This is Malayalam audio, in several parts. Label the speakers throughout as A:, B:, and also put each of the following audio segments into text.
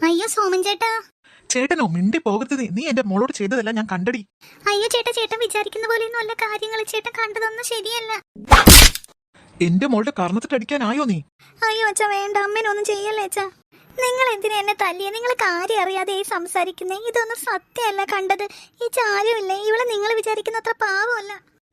A: അയ്യോ സോമൻ ചേട്ടാ.
B: ചേട്ടനോ? മിണ്ടി പോകരുത്. നീ എന്റെ മോളോട് ചെയ്തതല്ല ഞാൻ കണ്ടടി.
A: അയ്യോ ചേട്ടാ, ചേട്ടൻ വിചാരിക്കുന്ന പോലെയൊന്നും അല്ല കാര്യങ്ങൾ. ചേട്ടൻ കണ്ടതൊന്നും ശരിയല്ല.
B: എന്റെ മോളുടെ കർണത്തിട്ടടിക്കാനായോ നീ?
A: അയ്യോ അച്ഛാ വേണ്ട, അമ്മേനൊന്നും ചെയ്യല്ലേ അച്ഛാ. നിങ്ങൾ എന്തിനാ എന്നെ തല്ലിയ? നിങ്ങൾ കാര്യം അറിയാതെ ഈ സംസാരിക്കുന്നേ. ഇതൊന്നും സത്യമല്ല കണ്ടത്. ഈ ചാരുമില്ലേ, ഇവളെ നിങ്ങൾ വിചാരിക്കുന്ന അത്ര പാവമല്ല.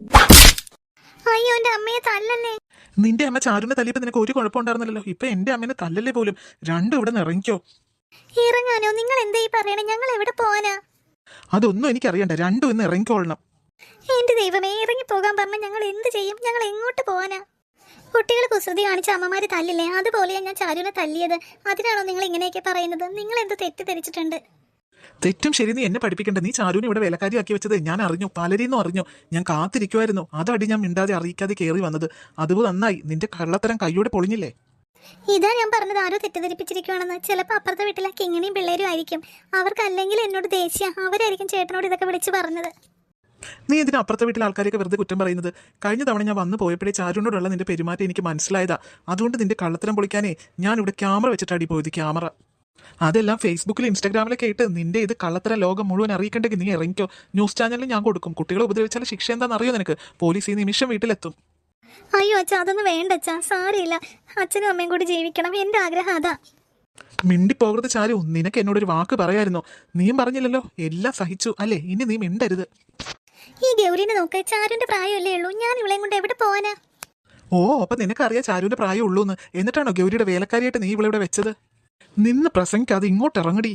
A: അയ്യോ എന്റെ അമ്മയെ തല്ലല്ലേ.
B: നിന്റെ അമ്മ ചാരുവിനെ തല്ലിയപ്പോ നിനക്ക് ഒരു കുഴപ്പമുണ്ടായിരുന്നല്ലോ. ഇപ്പൊ എന്റെ അമ്മേനെ തല്ലല്ലേ പോലും. രണ്ടും ഇവിടെ നിന്ന് ഇറങ്ങിക്കോ.
A: ഇറങ്ങാനോ? നിങ്ങൾ എന്താ ഈ പറയണേ? ഞങ്ങൾ എവിടെ പോവാനാ?
B: അതൊന്നും എനിക്കറിയണ്ട. രണ്ടും ഇന്ന് ഇറങ്ങിക്കോളണം.
A: എന്റെ ദൈവമേ, ഇറങ്ങി പോകാൻ പറഞ്ഞ ഞങ്ങൾ എന്ത് ചെയ്യും? ഞങ്ങൾ എങ്ങോട്ട് പോവാനാ? കുട്ടികൾ കുസൃതി കാണിച്ച അമ്മമാര് തല്ലില്ലേ, അതുപോലെയാ ഞാൻ ചാരുവിനെ തല്ലിയത്. അതിനാണോ നിങ്ങൾ ഇങ്ങനെയൊക്കെ പറയുന്നത്? നിങ്ങൾ എന്ത് തെറ്റിദ്ധരിച്ചിട്ടുണ്ട്?
B: തെറ്റും ശരി നീ എന്നെ പഠിപ്പിക്കണ്ട. നീ ചാരുവിനെ ഇവിടെ വേലക്കാരിയാക്കി വെച്ചത് ഞാൻ അറിഞ്ഞു. പലരെയും അറിഞ്ഞു. ഞാൻ കാത്തിരിക്കുമായിരുന്നു. അതടി ഞാൻ മിണ്ടാതെ അറിയിക്കാതെ കയറി വന്നത്. അതുപോലെ നന്നായി. നിന്റെ കള്ളത്തരം കൈയോടെ പൊളിഞ്ഞില്ലേ?
A: ഇതാ ഞാൻ പറഞ്ഞത്, ആരോ തെറ്റിദ്ധരിപ്പിച്ചിരിക്കുവാണെന്ന്. ചിലപ്പോൾ അപ്പുറത്തെ വീട്ടിലെ കിങ്ങിണിയും പിള്ളേരും ആയിരിക്കും. അവർക്ക് അല്ലെങ്കിൽ എന്നോട് ദേഷ്യ. അവരായിരിക്കും ചേട്ടനോട് ഇതൊക്കെ വിളിച്ചു പറഞ്ഞത്.
B: നീ എന്തിനാ അപ്പുറത്തെ വീട്ടിലെ ആൾക്കാരെയൊക്കെ വെറുതെ കുറ്റം പറയുന്നത്? കഴിഞ്ഞ തവണ ഞാൻ വന്നു പോയപ്പോഴേ ചാരുവിനോടുള്ള നിന്റെ പെരുമാറ്റം എനിക്ക് മനസ്സിലായതാ. അതുകൊണ്ട് നിന്റെ കള്ളത്തരം പൊളിക്കാനേ ഞാൻ ഇവിടെ ക്യാമറ വെച്ചിട്ടാടി പോയത്. ക്യാമറ അതെല്ലാം ഫേസ്ബുക്കിൽ ഇൻസ്റ്റാഗ്രാമിലൊക്കെ ഇട്ട് നിന്റെ ഇത് കള്ളത്തരം ലോകം മുഴുവൻ അറിയിക്കണ്ടെങ്കിൽ നീ ഇറങ്ങിക്കോ. ന്യൂസ് ചാനലിൽ ഞാൻ കൊടുക്കും. കുട്ടികളെ ഉപദ്രവിച്ചാൽ ശിക്ഷ എന്താണെന്ന് അറിയോ നിനക്ക്? പോലീസ് ഈ നിമിഷം വീട്ടിലെത്തും.
A: അയ്യോ അച്ഛാ, അതൊന്നും വേണ്ട അച്ഛാ. സാരമില്ല, അച്ഛനും അമ്മയും കൂടി ജീവിക്കണം. എന്റെ ആഗ്രഹം അതാ.
B: മിണ്ടിപ്പോകരുത് ചാരു. നിനക്ക് എന്നോടൊരു വാക്ക് പറയായിരുന്നോ? നീയും പറഞ്ഞില്ലല്ലോ. എല്ലാം സഹിച്ചു അല്ലേ? ഇനി നീ മിണ്ടരുത്.
A: ഈ ഗൗരിനെ നോക്ക്, ചാരുവിന്റെ പ്രായമല്ലേ ഉള്ളൂ. ഞാൻ ഇവളെയും കൊണ്ട് എവിടെ പോവാനാ?
B: ഓ, അപ്പൊ നിനക്കറിയാം ചാരുവിന്റെ പ്രായം ഉള്ളൂന്ന്. എന്നിട്ടാണോ ഗൗരിയുടെ വേലക്കാരിയായിട്ട് നീ ഇവിടെ വെച്ചത്? നിന്ന് പ്രസംഗിക്കാതെ ഇങ്ങോട്ട് ഇറങ്ങടി.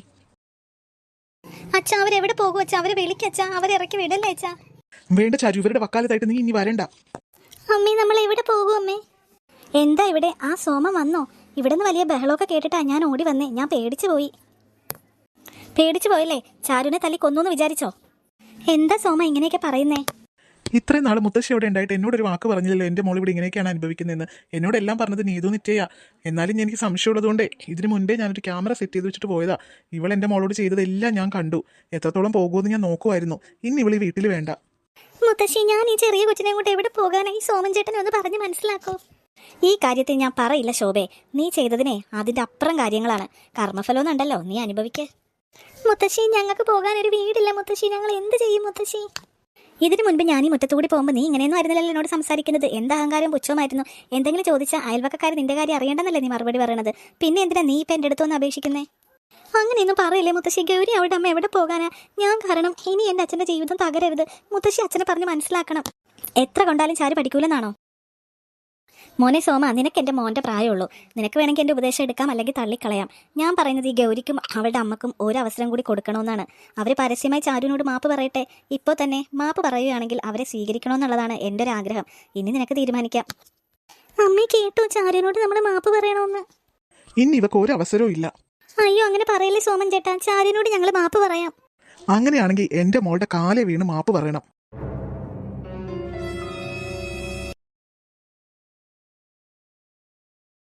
A: അച്ഛാ അവരെവിടെ പോകും അച്ഛാ? അവരെ വിളിക്കച്ചാ. അവരെ ഇറക്കി വിടല്ലേ അച്ഛാ?
B: വേണ്ട ചാരു, ഇവരുടെ വക്കാലത്തായിട്ട് നീ ഇനി വരണ്ട.
A: അമ്മേ, നമ്മൾ എവിടെ പോകും അമ്മേ? എന്താ ഇവിടെ? ആ സോമൻ വന്നോ? ഇവിടെ നിന്ന് വലിയ ബഹളമൊക്കെ കേട്ടിട്ടാ ഞാൻ ഓടി വന്നേ. ഞാൻ പേടിച്ചു പോയല്ലേ? ചാരുവിനെ തല്ലി കൊന്നു വിചാരിച്ചോ? എന്താ സോമ ഇങ്ങനെയൊക്കെ പറയുന്നേ?
B: ഇത്രയും നാൾ മുത്തശ്ശി അവിടെ ഉണ്ടായിട്ട് എന്നോടൊരു വാക്ക് പറഞ്ഞില്ലല്ലോ എന്റെ മോൾ ഇവിടെ ഇങ്ങനെയൊക്കെയാണ് അനുഭവിക്കുന്നതെന്ന്. എന്നോടെല്ലാം പറഞ്ഞത് നീതു നിറ്റയാ. എന്നാലും എനിക്ക് സംശയമുള്ളതുകൊണ്ട് ഇതിനു മുൻപേ ഞാനൊരു ക്യാമറ സെറ്റ് ചെയ്ത് വെച്ചിട്ട് പോയതാ. ഇവൾ എന്റെ മോളോട് ചെയ്തതെല്ലാം ഞാൻ കണ്ടു. എത്രത്തോളം പോകുമെന്ന് ഞാൻ നോക്കുമായിരുന്നു. ഇനി ഇവൾ ഈ വീട്ടിൽ വേണ്ട.
A: മുത്തശ്ശി, ഞാൻ ഈ ചെറിയ കൊച്ചിനെ കൊണ്ട് എവിടെ പോകാനായി? സോമൻ ചേട്ടനെ ഒന്ന് പറഞ്ഞ് മനസ്സിലാക്കോ. ഈ കാര്യത്തിൽ ഞാൻ പറയില്ല ശോഭേ. നീ ചെയ്തതിനെ അതിന്റെ അപ്പുറം കാര്യങ്ങളാണ്. കർമ്മഫലം ഉണ്ടല്ലോ, നീ അനുഭവിക്കേ. മുത്തശ്ശി, ഞങ്ങൾക്ക് പോകാൻ ഒരു വീടില്ല മുത്തശ്ശി. ഞങ്ങൾ എന്ത് ചെയ്യും മുത്തശ്ശി? ഇതിനു മുൻപ് ഞാൻ ഈ മുറ്റത്തുകൂടി പോകുമ്പോൾ നീ ഇങ്ങനെയൊന്നും ആയിരുന്നല്ലോ എന്നോട് സംസാരിക്കുന്നത്. എന്ത് അഹങ്കാരം പുച്ഛമായിരുന്നു. എന്തെങ്കിലും ചോദിച്ചാൽ അയൽവക്കക്കാർ നിന്റെ കാര്യം അറിയേണ്ടെന്നല്ലേ നീ മറുപടി പറയണത്. പിന്നെ എന്തിനാ നീ ഇപ്പം എൻ്റെ അടുത്തൊന്ന് അപേക്ഷിക്കുന്നേ? അങ്ങനെയൊന്നും പറയില്ലേ മുത്തശ്ശി. ഗൗരി അവരുടെ അമ്മ എവിടെ പോകാനാ? ഞാൻ കാരണം ഇനി എൻ്റെ അച്ഛൻ്റെ ജീവിതം തകരരുത്. മുത്തശ്ശി അച്ഛനെ പറഞ്ഞ് മനസ്സിലാക്കണം. എത്ര കൊണ്ടാലും ചാരു പഠിക്കൂലെന്നാണോ? മോനെ സോമ, നിനക്ക് എൻ്റെ മോൻ്റെ പ്രായമുള്ളൂ. നിനക്ക് വേണമെങ്കിൽ എൻ്റെ ഉപദേശം എടുക്കാം, അല്ലെങ്കിൽ തള്ളിക്കളയാം. ഞാൻ പറയുന്നത് ഈ ഗൗരിക്കും അവളുടെ അമ്മക്കും ഒരു അവസരം കൂടി കൊടുക്കണമെന്നാണ്. അവർ പരസ്യമായി ചാരുവിനോട് മാപ്പ് പറയട്ടെ. ഇപ്പോൾ തന്നെ മാപ്പ് പറയുകയാണെങ്കിൽ അവരെ സ്വീകരിക്കണമെന്നുള്ളതാണ് എൻ്റെ ഒരു ആഗ്രഹം. ഇനി നിനക്ക് തീരുമാനിക്കാം. അമ്മ കേട്ടോ, ചാരുവിനോട് നമ്മൾ മാപ്പ് പറയണമെന്ന്.
B: ഇനി ഇവക്ക് ഒരു അവസരവും ഇല്ല.
A: അയ്യോ അങ്ങനെ പറയല്ലേ സോമൻ ചേട്ടാ. ചാരുവിനോട് ഞങ്ങൾ മാപ്പ് പറയാം.
B: അങ്ങനെയാണെങ്കിൽ എന്റെ മോളുടെ കാലെ വീണ് മാപ്പ് പറയണം.